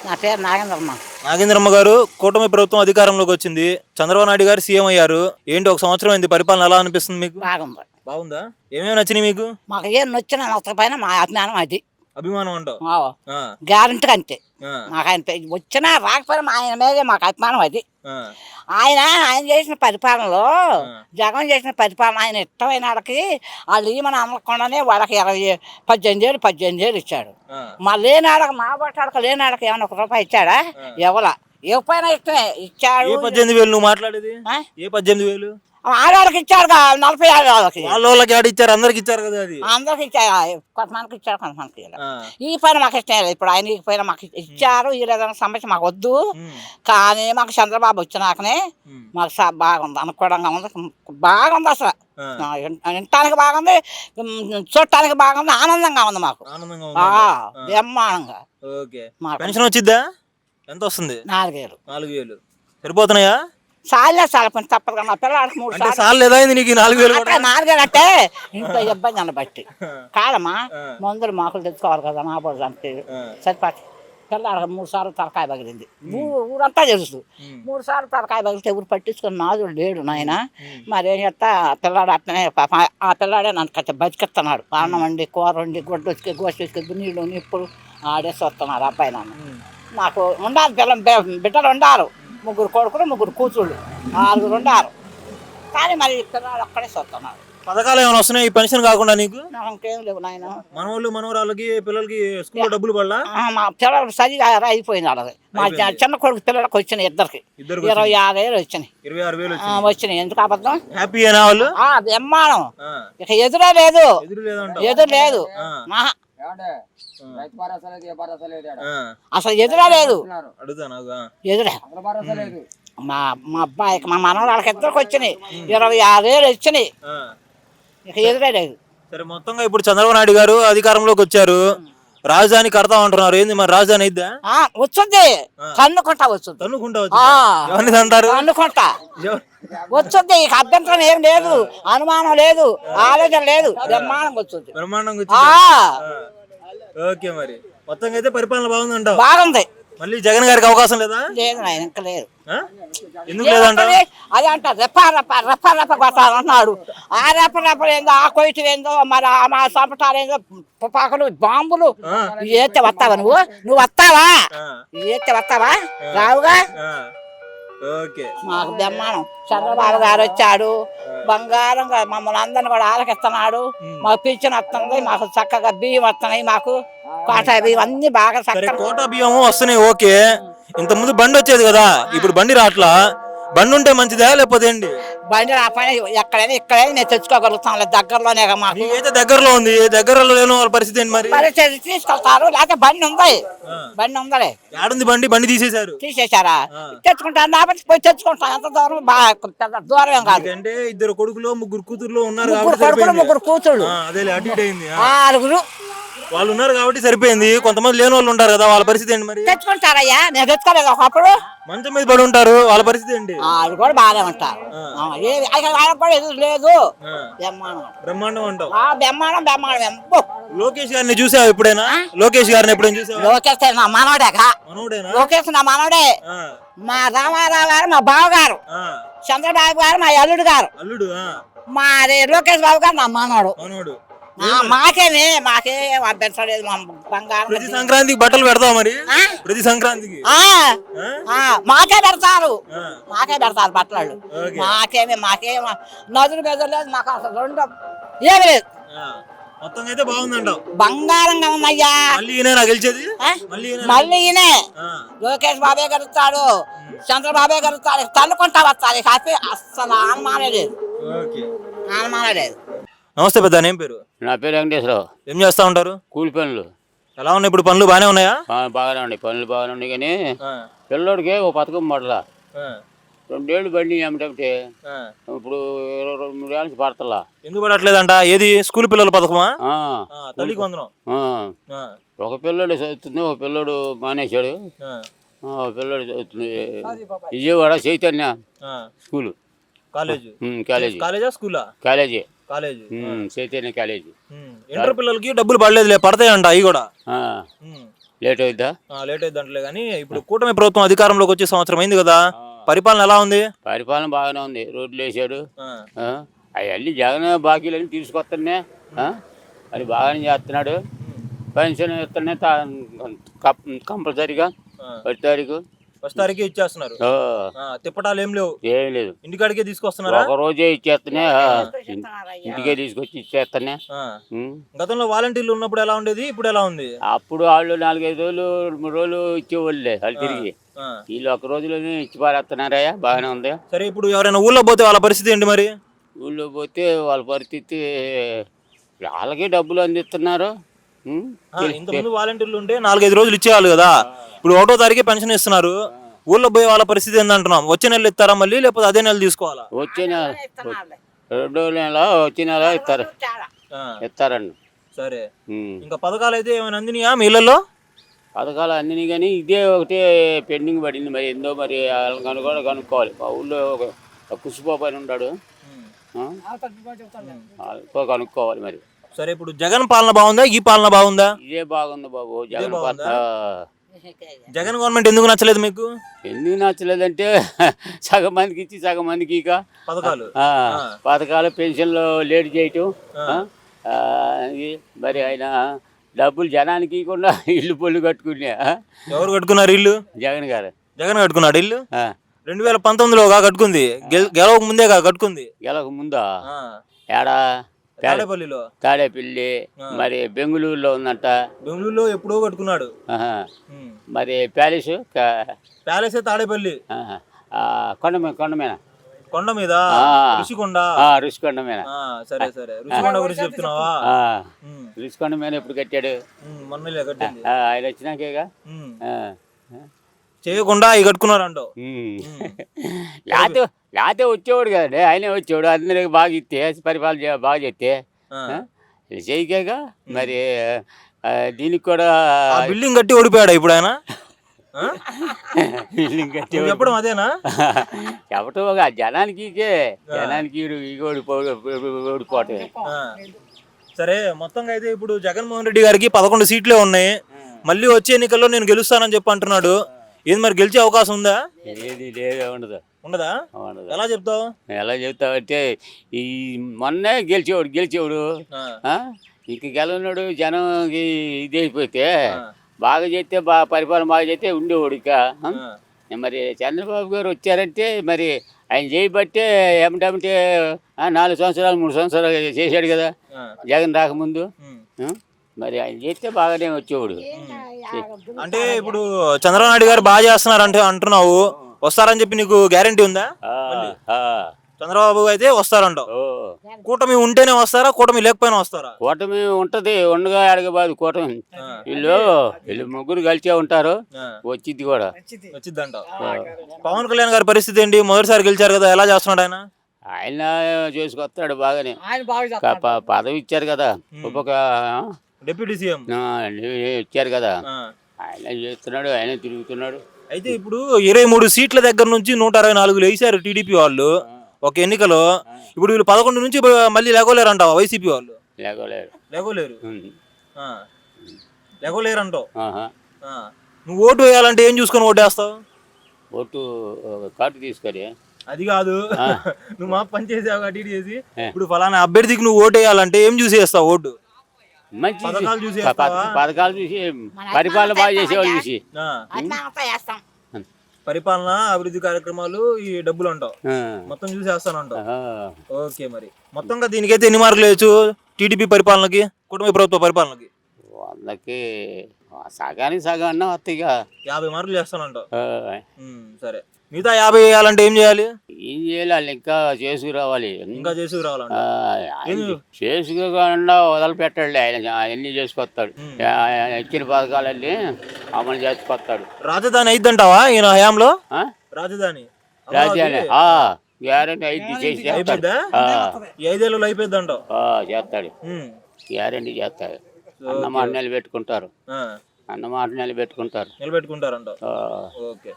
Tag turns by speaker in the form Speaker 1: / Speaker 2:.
Speaker 1: నా పేరు నాగేంద్రమ్మ.
Speaker 2: నాగేంద్రమ్మ గారు, కూటమి ప్రభుత్వం అధికారంలోకి వచ్చింది. చంద్రబాబు నాయుడు గారు సీఎం అయ్యారు. ఏంటి ఒక సంవత్సరం అయింది, పరిపాలన ఎలా అనిపిస్తుంది మీకు?
Speaker 1: బాగుంది.
Speaker 2: బాగుందా? ఏమేమి నచ్చినాయి మీకు?
Speaker 1: మాకు ఏం నచ్చిన నచ్చక పైన మా అభిమానం అది.
Speaker 2: అభిమానం అంటావు?
Speaker 1: గ్యారంటీ అంతే.
Speaker 2: ఆ,
Speaker 1: మాకు ఆయన వచ్చినా రాకపోయినా ఆయన మీదే మాకు అభిమానం అది.
Speaker 2: ఆ,
Speaker 1: ఆయన చేసిన పరిపాలనలో
Speaker 2: ఆ.
Speaker 1: జగన్ చేసిన పరిపాలన ఆయన ఇష్టమైన వాళ్ళకి వాళ్ళు ఈమని అనకుండానే వాళ్ళకి 18 ఏళ్ళు ఇచ్చాడు.
Speaker 2: ఆ,
Speaker 1: మా లేనాడక మా బట్టాడక లేనాడక ఏమైనా 1 రూపాయి ఇచ్చాడా? ఎవలా ఇవ్వకపోయినా ఇష్టమే ఇచ్చాడు.
Speaker 2: ఏ 18,000 నువ్వు మాట్లాడేది?
Speaker 1: ఆ?
Speaker 2: ఏ 18,000?
Speaker 1: ఆడవాళ్ళకి ఇచ్చాడు 40 వాళ్ళకి.
Speaker 2: వాళ్ళకి ఆడ ఇచ్చారు, అందరికి ఇచ్చారు కదా అది.
Speaker 1: అందరికి ఇచ్చారు, కొంతమందికి ఇచ్చారు, కొంతమందికి ఇవ్వలేదు.
Speaker 2: ఆ,
Speaker 1: ఈ పైన మాకు ఇష్టం లేదు. ఇప్పుడు ఆయన ఈ పైన మాకు ఇచ్చారు, ఈ లేదన్న సమస్య మాకు వద్దు.
Speaker 2: ఉమ్,
Speaker 1: కానీ మాకు చంద్రబాబు వచ్చినాకనే
Speaker 2: ఉమ్,
Speaker 1: మాకు బాగుంది, అనుకూలంగా ఉంది, బాగుంది అసలు.
Speaker 2: ఆ,
Speaker 1: వినటానికి బాగుంది, చూడటానికి బాగుంది, ఆనందంగా ఉంది మాకు.
Speaker 2: ఆనందంగా
Speaker 1: ఆ,
Speaker 2: ఉందా?
Speaker 1: బ్రహ్మాండంగా.
Speaker 2: ఓకే.
Speaker 1: మాకు
Speaker 2: పెన్షన్ వచ్చిద్దా? ఎంత వస్తుంది?
Speaker 1: 4 ఏళ్ళు
Speaker 2: 4,000 సరిపోతున్నాయా?
Speaker 1: సాలే సాల పని తప్పదు. మా పిల్లలకి 3
Speaker 2: అంటే
Speaker 1: సార్లు
Speaker 2: సార్లు లేదా అయింది నీకు 4,000 కూడా?
Speaker 1: 4 ఏళ్ళు అంటే ఇంట్లో ఇబ్బంది అని బట్టి కాదమ్మా.
Speaker 2: ఆ.
Speaker 1: మందులు మాకులు తెచ్చుకోవాలి కదా, నా బోర్డు అంటే
Speaker 2: ఆ,
Speaker 1: సరిపాటి. పిల్లలకి 3 సార్లు తలకాయ పగిలింది. ఊరంతా తెలుసు.
Speaker 2: ఉమ్,
Speaker 1: 3 సార్లు తలకాయ పగిలితే ఎవరు పట్టించుకుని నాదుడు లేడు నాయన.
Speaker 2: ఉమ్,
Speaker 1: మరేం చేస్తా, పిల్లాడు అట్లనే పాప ఆ పిల్లాడే నన్ను కట్ట బతికిస్తున్నాడు. అన్నం వండి, కూర వండి, గుడ్డ వచ్చి గోసి వచ్చి నీళ్ళు నిప్పుడు ఆడేసి వస్తున్నాడు అబ్బాయి నాన్న.
Speaker 2: ఉమ్.
Speaker 1: నాకు ఉండాలి బిడ్డలు ఉండారు. 3 కొడుకులు 3 కూతుళ్ళు 4 ఉండారు. కానీ మరి పిల్లాడు ఒక్కడే వస్తున్నాడు.
Speaker 2: పథకాలు ఏమైనా వస్తున్నాయి ఈ పెన్షన్ కాకుండా నీకు?
Speaker 1: నాకు ఇంకేం లేవు నాయన.
Speaker 2: మనవాళ్ళు మనవరాళ్ళకి పిల్లలకి స్కూల్లో డబ్బులు పడలా?
Speaker 1: మా పిల్లలు చదివి అయిపోయింది వాళ్ళది. మా చిన్న కొడుకు పిల్లలకు వచ్చినాయి ఇద్దరికి
Speaker 2: ఇద్దరికి
Speaker 1: 26 ఏళ్ళు వచ్చినాయి.
Speaker 2: 26,000
Speaker 1: వచ్చినాయి. ఎందుకు అబద్ధం?
Speaker 2: హ్యాపీ అయినా వాళ్ళు?
Speaker 1: బ్రహ్మాండం.
Speaker 2: ఆ,
Speaker 1: ఇక ఎదురే లేదు,
Speaker 2: ఎదురు లేదంటావు?
Speaker 1: ఎదురు లేదు.
Speaker 2: ఆ,
Speaker 1: ఆహా,
Speaker 2: ఆ,
Speaker 1: అసలు ఎదురే లేదు.
Speaker 2: అడుగుతా నాకు. ఆ,
Speaker 1: ఎదురే మా మా అబ్బాయికి మా మనవరాళ్ళకి ఇద్దరికి వచ్చినాయి 26 ఏళ్ళు వచ్చినాయి.
Speaker 2: ఆ.
Speaker 1: ఇక ఎదురే లేదు.
Speaker 2: సరే, మొత్తంగా ఇప్పుడు చంద్రబాబు నాయుడు గారు అధికారంలోకి వచ్చారు. రాజధాని కడతా ఉంటున్నారు. ఏంది మరి రాజధాని అయిద్దా?
Speaker 1: వచ్చింది, కన్నుకుంటా వచ్చింది.
Speaker 2: తన్నుకుంటా
Speaker 1: ఆ,
Speaker 2: ఎవరిని అంటారు?
Speaker 1: కన్నుకుంటా వచ్చింది. ఇక అభ్యంతరం ఏం లేదు, అనుమానం లేదు, ఆలోచన లేదు, బ్రహ్మాండంగా వచ్చింది.
Speaker 2: బ్రహ్మాండంగా
Speaker 1: ఆ,
Speaker 2: వచ్చిందా? ఓకే. మరి మొత్తంగా అయితే పరిపాలన బాగుందంటావు?
Speaker 1: బాగుంది.
Speaker 2: మళ్ళీ జగన్ గారికి అవకాశం లేదా?
Speaker 1: లేదు నాయన, ఇంకా లేదు.
Speaker 2: ఆ? ఎందుకు లేదంటావు?
Speaker 1: అది అంట రెప్ప కొట్టాలన్నాడు. ఆ రెప్ప ఏందో, ఆ కొయిటు ఏందో, మరి మా సంపటాలు ఏందో, తుపాకులు, బాంబులు. ఏతే వస్తావా నువ్వు వస్తావా?
Speaker 2: ఆ,
Speaker 1: ఏతే వస్తావా? రావుగా.
Speaker 2: ఆ. ఓకే.
Speaker 1: మాకు బ్రహ్మాండం. చంద్రబాబు గారు వచ్చాడు, బంగారంగా మమ్మల్ని అందరిని కూడా ఆలకిస్తున్నాడు. మాకు పింఛన్ వస్తుంది, మాకు చక్కగా బియ్యం వస్తున్నాయి, మాకు కోటా బియ్యం అన్ని బాగా
Speaker 2: సరే,
Speaker 1: చక్కగా.
Speaker 2: కోటా బియ్యం వస్తున్నాయి, ఓకే. ఇంత ముందు బండి వచ్చేది కదా, ఇప్పుడు బండి రావట్లా. బండి ఉంటే మంచిదా లేకపోతే ఏంటి?
Speaker 1: బండి రాపైన ఇక్కడైనా నేను తెచ్చుకోగలుగుతాను, దగ్గరలోనే మాకు.
Speaker 2: నీకైతే దగ్గరలో ఉంది, దగ్గరలో లేని వాళ్ళ పరిస్థితి ఏంటి మరి?
Speaker 1: పరిస్థితి తీసుకెళ్తారు, లేకపోతే బండి ఉంది.
Speaker 2: ఆ.
Speaker 1: బండి ఉందలే,
Speaker 2: ఏడుంది బండి? బండి తీసేశారు.
Speaker 1: తీసేశారా?
Speaker 2: ఆ.
Speaker 1: తెచ్చుకుంటాను, లేకపోతే పోయి తెచ్చుకుంటాను. ఎంత దూరం? బాగా పెద్ద దూరం ఏం కాదు.
Speaker 2: అంటే 2 కొడుకులు 3 కూతుర్లు ఉన్నారు
Speaker 1: 3
Speaker 2: కాబట్టి
Speaker 1: కొడుకులు
Speaker 2: సరిపోయింది.
Speaker 1: 3 కూతుళ్ళు
Speaker 2: అదే అటు ఇటు అయింది.
Speaker 1: 6
Speaker 2: వాళ్ళు ఉన్నారు కాబట్టి సరిపోయింది. కొంతమంది లేని వాళ్ళు ఉంటారు కదా, వాళ్ళ పరిస్థితి ఏంటి మరి?
Speaker 1: తెచ్చుకుంటారయ్యా. నేను తెచ్చుకోలేదు ఒకప్పుడు.
Speaker 2: మంచం మీద పడి ఉంటారు, వాళ్ళ పరిస్థితి ఏంటి?
Speaker 1: వాళ్ళు కూడా బాగానే ఉంటారు. వాళ్ళకి కూడా ఎదురు లేదు.
Speaker 2: ఆ,
Speaker 1: బ్రహ్మాండం.
Speaker 2: బ్రహ్మాండం అంటావు.
Speaker 1: బ్రహ్మాండం ఎంతో.
Speaker 2: లోకేష్ గారిని చూసావు ఎప్పుడైనా? లోకేష్ గారిని ఎప్పుడైనా చూసావా?
Speaker 1: లోకేష్ నా మనవడేగా.
Speaker 2: మనోడేనా?
Speaker 1: లోకేష్ నా మనవడే.
Speaker 2: ఆ,
Speaker 1: మా రామారావు గారు మా బావగారు,
Speaker 2: ఆ,
Speaker 1: చంద్రబాబు గారు మా అల్లుడు గారు,
Speaker 2: అల్లుడు. ఆ,
Speaker 1: మా లోకేష్ బాబు గారు నా మనవడు.
Speaker 2: మనోడు.
Speaker 1: మాకేం అభ్యంతరం లేదు. మా బంగారం
Speaker 2: ప్రతి సంక్రాంతికి బట్టలు పెడతావు మరి?
Speaker 1: ఆ?
Speaker 2: ప్రతి సంక్రాంతికి?
Speaker 1: ఆ,
Speaker 2: ఆ?
Speaker 1: మాకే పెడతారు,
Speaker 2: ఆ,
Speaker 1: మాకే పెడతారు బట్టలు.
Speaker 2: ఓకే.
Speaker 1: మాకేం నదులు బెదరు లేదు, మాకు అసలు రెండు ఏమి లేదు.
Speaker 2: ఆ, మొత్తంగా అయితే బాగుందంటావు.
Speaker 1: బంగారంగా ఉందయ్యా.
Speaker 2: మళ్ళీ ఈయన గెలిచేది?
Speaker 1: ఆ?
Speaker 2: మళ్ళీ ఈయన?
Speaker 1: మళ్ళీ ఈయనే
Speaker 2: ఆ,
Speaker 1: లోకేష్ బాబే గెలుస్తాడు, చంద్రబాబే గెలుస్తాడు. తన్నుకుంటా వస్తాడు. కాకపోతే అస్సలు అనుమానం లేదు,
Speaker 2: ఓకే.
Speaker 1: అనుమానం లేదు.
Speaker 2: నమస్తే పెద్ద, ఏం పేరు?
Speaker 3: నా పేరు వెంకటేశ్వరరావు.
Speaker 2: ఏం చేస్తా ఉంటారు?
Speaker 3: కూలి పనులు
Speaker 2: ఎలా ఉన్నాయి ఇప్పుడు? పనులు బాగానే ఉన్నాయా?
Speaker 3: బాగానే ఉన్నాయి, పనులు బాగానే ఉన్నాయి. కానీ
Speaker 2: ఆ,
Speaker 3: పిల్లోడికి ఓ పథకం పడలా.
Speaker 2: ఆ,
Speaker 3: 2 ఏళ్ళు బండి ఏమిటంటే
Speaker 2: ఆ.
Speaker 3: ఇప్పుడు 22 ఏళ్ళ నుంచి పడతలా.
Speaker 2: ఎందుకు పడట్లేదంట? ఏది స్కూల్ పిల్లల పథకమా?
Speaker 3: ఆ,
Speaker 2: తల్లికి వందనం.
Speaker 3: ఆ.
Speaker 2: ఆ,
Speaker 3: ఒక పిల్లోడు చదువుతుంది, ఒక పిల్లోడు మానేశాడు.
Speaker 2: ఆ,
Speaker 3: ఒక పిల్లోడు చదువుతుంది విజయవాడ చైతన్య
Speaker 2: ఆ.
Speaker 3: School,
Speaker 2: college.
Speaker 3: కాలేజీ
Speaker 2: కాలేజా స్కూలా?
Speaker 3: College
Speaker 2: college.
Speaker 3: Chaitanya college.
Speaker 2: Inter పిల్లలకి డబ్బులు పడలేదులే, పడతాయంట అవి కూడా.
Speaker 3: ఆ. లేట్ అవుద్దా?
Speaker 2: లేట్ అయింది అంటలే కానీ ఇప్పుడు కూటమి ప్రభుత్వం అధికారంలోకి వచ్చే సంవత్సరం అయింది కదా, పరిపాలన ఎలా ఉంది?
Speaker 3: పరిపాలన బాగానే ఉంది. రోడ్లు వేసాడు.
Speaker 2: ఆ,
Speaker 3: అవన్నీ జగన్ బాకీలన్నీ తీసుకొస్తానే అది బాగానే చేస్తున్నాడు. పెన్షన్ ఇస్తూనే కంపల్సరీగా
Speaker 2: ఆ.
Speaker 3: 10 తారీఖు
Speaker 2: ఫస్ట్ తారీఖు ఇచ్చేస్తున్నారు. తిప్పటాలు ఏం లేవు,
Speaker 3: ఏం లేదు.
Speaker 2: ఇంటికాడికే తీసుకొస్తున్నారా?
Speaker 3: ఒక రోజే ఇచ్చేస్తనే ఇంటికే తీసుకొచ్చి ఇచ్చేస్తనే.
Speaker 2: ఆ. గతంలో వాలంటీర్లు ఉన్నప్పుడు ఎలా ఉండేది, ఇప్పుడు ఎలా ఉంది?
Speaker 3: అప్పుడు వాళ్ళు 4-5 రోజులు 3 రోజులు ఇచ్చేవాళ్ళే వాళ్ళు తిరిగి.
Speaker 2: ఆ.
Speaker 3: వీళ్ళు ఒక రోజులోనే ఇచ్చి పారేస్తున్నారయ్యా. బాగానే ఉంది.
Speaker 2: సరే ఇప్పుడు ఎవరైనా ఊళ్ళో పోతే వాళ్ళ పరిస్థితి ఏంటి మరి?
Speaker 3: ఊళ్ళో పోతే వాళ్ళ పరిస్థితి వాళ్ళకే డబ్బులు అందిస్తున్నారు.
Speaker 2: ఇంతకుముందు వాలంటీర్లు ఉంటే 4-5 రోజులు ఇచ్చేవాళ్ళు కదా, ఇప్పుడు 1వ తారీఖే పెన్షన్ ఇస్తున్నారు. ఊళ్ళో పోయే వాళ్ళ పరిస్థితి ఏందంటున్నాం? వచ్చే నెల ఇస్తారా మళ్ళీ, లేకపోతే అదే నెల తీసుకోవాలా?
Speaker 3: వచ్చే నెల 2వ నెల వచ్చే నెల ఇస్తారండి.
Speaker 2: సరే,
Speaker 3: ఉం.
Speaker 2: ఇంకా పథకాలు అయితే ఏమైనా అందినాయా మీ ఇళ్ళల్లో?
Speaker 3: పథకాలు అన్నీ కానీ ఇదే ఒకటే పెండింగ్ పడింది. మరి ఏందో మరి వాళ్ళని కూడా కనుక్కోవాలి. మా ఊళ్ళో ఒక కుసిబాబు అని ఉన్నాడు. వాళ్ళతో కనుక్కోవాలి మరి.
Speaker 2: సరే, ఇప్పుడు జగన్ పాలన బాగుందా, ఈ పాలన బాగుందా?
Speaker 3: ఇదే బాగుంది బాబు. జగన్
Speaker 2: బాగుందా?
Speaker 3: పాలన
Speaker 2: జగన్ గవర్నమెంట్ ఎందుకు నచ్చలేదు మీకు?
Speaker 3: ఎందుకు నచ్చలేదంటే సగం మందికి ఇచ్చి సగం మందికి ఇక
Speaker 2: పథకాలు
Speaker 3: పథకాలు పెన్షన్లు లేట్ చేయటం. ఇది మరి ఆయన డబ్బులు జనానికి ఇవ్వకుండా ఇల్లు పొల్లు కట్టుకునే.
Speaker 2: ఎవరు కట్టుకున్నారు ఇల్లు?
Speaker 3: జగన్ గారు.
Speaker 2: జగన్ కట్టుకున్నాడు ఇల్లు. 2019లో కట్టుకుంది, గెలవక ముందే కట్టుకుంది.
Speaker 3: గెలవక ముందా? ఏడా?
Speaker 2: తాడేపల్లిలో.
Speaker 3: తాడేపల్లి. మరి బెంగళూరులో ఉందంట.
Speaker 2: బెంగళూరులో ఎప్పుడో కట్టుకున్నాడు.
Speaker 3: మరి ప్యాలెస్
Speaker 2: ప్యాలెస్ తాడేపల్లి. కొండ మీద ఋషికొండ.
Speaker 3: ఋషికొండ మీద.
Speaker 2: సరే సరే, ఋషికొండ గురించి చెప్తున్నావా?
Speaker 3: ఋషికొండ మీద ఎప్పుడు కట్టాడు?
Speaker 2: మొన్నలే కట్టింది.
Speaker 3: ఆయన వచ్చినాకేగా.
Speaker 2: చేయకుండా ఇవి కట్టుకున్నారు అంటావు.
Speaker 3: లేకపోతే వచ్చేవాడు కదండి. ఆయనే వచ్చేవాడు. అందరికి బాగా ఇస్తే పరిపాలన బాగా చేస్తే చేయకేగా. మరి దీనికి కూడా
Speaker 2: బిల్డింగ్ కట్టి ఓడిపోయాడు ఇప్పుడు ఆయన.
Speaker 3: బిల్డింగ్ కట్టి
Speaker 2: చెప్పడం అదేనా?
Speaker 3: చెప్పటం ఒక జనానికి ఓడిపోవటమే.
Speaker 2: సరే, మొత్తంగా అయితే ఇప్పుడు జగన్మోహన్ రెడ్డి గారికి 11 సీట్లే ఉన్నాయి. మళ్ళీ వచ్చే ఎన్నికల్లో నేను గెలుస్తానని చెప్పి అంటున్నాడు. ఏది మరి గెలిచే అవకాశం ఉందా?
Speaker 3: ఏది లేదు.
Speaker 2: ఉండదా? ఎలా చెప్తావు?
Speaker 3: ఎలా చెప్తావంటే ఈ మొన్నే గెలిచేవాడు ఇంక గెలవనాడు. జనంకి ఇది అయిపోతే బాగా చేస్తే పరిపాలన బాగా చేస్తే ఉండేవాడు. ఇక మరి చంద్రబాబు గారు వచ్చారంటే మరి ఆయన చేయబట్టే ఏమిటంటే 4 సంవత్సరాలు 3 సంవత్సరాలు చేశాడు కదా జగన్ రాకముందు. మరి ఆయన చేస్తే బాగానే వచ్చేవాడు.
Speaker 2: అంటే ఇప్పుడు చంద్రబాబు నాయుడు గారు బాగా చేస్తున్నారు అంటే అంటున్నావు, వస్తారని చెప్పి నీకు గ్యారంటీ ఉందా? చంద్రబాబు అయితే వస్తారంటావు. కూటమి ఉంటేనే వస్తారా, కూటమి లేకపోయినా వస్తారా?
Speaker 3: కూటమి ఉంటది, ఉండగా అడగబాదు కూటమి. వీళ్ళు ముగ్గురు కలిసే ఉంటారు. వచ్చింది కూడా
Speaker 2: వచ్చిందంట. పవన్ కళ్యాణ్ గారి పరిస్థితి ఏంటి? మొదటిసారి గెలిచారు కదా, ఎలా చేస్తున్నాడు ఆయన?
Speaker 3: ఆయన చేసుకొస్తాడు బాగానే. పదవి ఇచ్చారు కదా, ఒక్కొక్క
Speaker 2: డిప్యూటీ సీఎం
Speaker 3: ఇచ్చారు కదా, ఆయన చేస్తున్నాడు, ఆయన తిరుగుతున్నాడు.
Speaker 2: అయితే ఇప్పుడు 23 సీట్ల దగ్గర నుంచి 164 వేసారు టీడీపీ వాళ్ళు ఒక ఎన్నికలో. ఇప్పుడు వీళ్ళు 11 నుంచి మళ్ళీ లేగోలేరు అంటావా వైసీపీ వాళ్ళు? లేగోలేరు అంటావు. నువ్వు ఓటు వేయాలంటే ఏం చూసుకొని ఓటేస్తావు?
Speaker 3: ఓటు కార్డు తీసుకొని.
Speaker 2: అది కాదు, నువ్వు మా పని చేసావు కాబట్టి చేసి ఇప్పుడు ఫలానా అభ్యర్థికి నువ్వు ఓటు వేయాలంటే ఏం చూసి వేస్తావు ఓటు?
Speaker 3: మంచి
Speaker 2: పథకాలు చూసి
Speaker 3: పరిపాలన బాగా చేసేవాళ్ళు చూసి.
Speaker 2: పరిపాలన అభివృద్ధి కార్యక్రమాలు ఈ డబ్బులు అంటావు, మొత్తం చూసి వేస్తాను అంటావు. ఓకే, మరి మొత్తంగా దీనికైతే ఎన్ని మార్కులు వేయచ్చు టీడీపీ పరిపాలనకి, కుటుంబ ప్రభుత్వ పరిపాలనకి?
Speaker 3: వాళ్ళకి సగానికి సగం అన్నా వస్తాయి.
Speaker 2: 50 మార్కులు చేస్తానంటావు. సరే, మిగతా 50 వేయాలంటే ఏం చేయాలి?
Speaker 3: ఏం చేయాలి? వాళ్ళు ఇంకా చేసుకురావాలి. చేసుకోకుండా వదిలిపెట్టాడు. ఆయన అన్ని చేసుకొస్తాడు. ఇచ్చిన పథకాలన్నీ అమలు చేసుకొస్తాడు.
Speaker 2: రాజధాని అయిద్దంటావా ఈయన హయాంలో? రాజధాని
Speaker 3: గ్యారెంటీ అయింది. చేసి
Speaker 2: ఈ 5 ఏళ్ళు అయిపోద్ది అంటావు.
Speaker 3: చేస్తాడు, గ్యారెంటీ చేస్తాడు. అన్నమాట నిలబెట్టుకుంటారు.
Speaker 2: నిలబెట్టుకుంటారంటావు. ఓకే.